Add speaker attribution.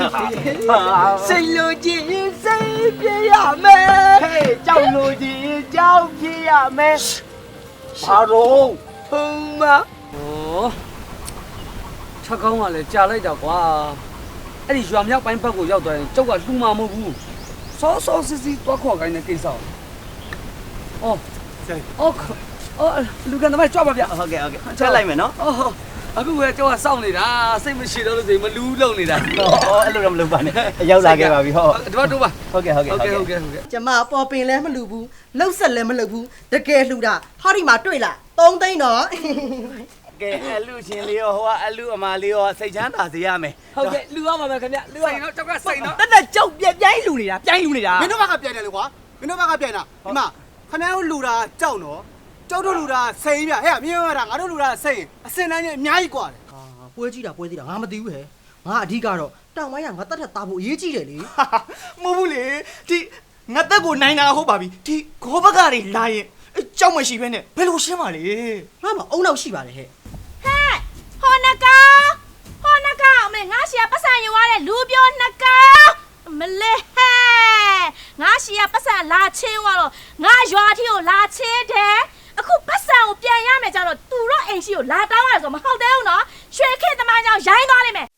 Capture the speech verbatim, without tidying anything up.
Speaker 1: စိတ်လိုချင်စိတ်ပြရမယ်ဟေးကြောက်လိုချင်ကြောက်ပြရမယ်ဘာလို့ဟုတ်မ
Speaker 2: 哦，ချက်ကောင်းကလည်းကြာလိုက်တာကွာအဲ့ဒီရွာမြောက်ပိုင်းဘက်ကိုရောက်သွားရင်ကျုပ်ကလှူမှာမဟုတ်ဘူးစောစောစစ်စစ်တွားခေါ်ခိုင်းတဲ့ကိစ္စအော်အော်အော်လူကန်တမိုင်းကြွပါဗျ
Speaker 1: ဟုတ်ကဲ့ဟုတ်ကဲ့ချက်လိုက်မယ်နော်
Speaker 2: အော်အခုကကျုပ်ကစောင့်နေတာစိတ်မရှိတော့လို့ဆိုရင်မလူးလုံနေတာ
Speaker 1: အော်အဲ့လိုတော့မလုပ်ပါနဲ့ရောက်လာခဲ့ပါပြီဟုတ်
Speaker 2: ဒီမှာတို့ပါ
Speaker 1: ဟုတ်ကဲ့ဟုတ်ကဲ့
Speaker 2: ဟုတ်ကဲ့ဟုတ်ကဲ့ဟုတ်ကဲ့
Speaker 3: ကျမပေါ်ပင်လည်းမလူဘူးလှုပ်ဆက်လည်းမလုပ်ဘူးတကယ်လှူတာဟာဒီမှာတွေ့လားသုံးသိန်းတော့
Speaker 1: ကဲအလူရှင်လေးရောဟိုကအလူအမလေးရောစိတ်ချမ်းသာစေရမယ်
Speaker 2: ဟုတ်ကဲ့လူရပါမယ်ခင်ဗျလူရနော်ကျောက်ကစိတ်နော်
Speaker 1: တက်တက်ကြောက်ပြပြိုင်းလူနေတာပြိုင်းလူနေတာ
Speaker 4: မင်းတို့ဘက်ကပြိုင်တယ်လေကွာမင်းတို့ဘက်ကပြိုင်တာဒီမှာခဏတို့လူတာကြောက်နော်ကြောက်တို့လူတာစိန်ပြဟဲ့မင်းတို့ကငါတို့လူတာစိန်အစင်တန်းကြီးအများကြီးกว่าတယ်
Speaker 3: ဟာပွဲကြည့်တာပွဲကြည့်တာငါမသိဘူးဟဲ့ငါအဓိကတော့တောင်ပိုင်းကငါတက်ထက်သားဖို့အရေးကြီးတယ်လေ
Speaker 4: မဟုတ်ဘူးလေဒီငါတက်ကိုနိုင်တာဟုတ်ပါပြီဒီဂောဘက်ကနေလာရင်ကြောက်မရှိဘဲနဲ့ဘယ်လိုရှင်းပါလေ
Speaker 3: ငါမအုံနောက်ရှိပါတယ်ဟဲ့
Speaker 5: ဟဲ့ဟောနကောင်ဟောနကောင်အမေငါရှီကပတ်စံယူရတဲ့လူပြောနကောင်မလေးဟဲ့ငါရှီကပတ်စံလာချင်းသွားတော့ငါရွာထီကိုလာချင်းတယ်အခုပတ်စံကိုပြန်ရမယ်ကြတော့သူတော့အိမ်ရှိကိုလာတောင်းရတယ်ဆိုမဟုတ်သေးဘူးနော်ရွှေခေတ်သမားကြောင့်ရိုင်းသွားလိမ့်မယ်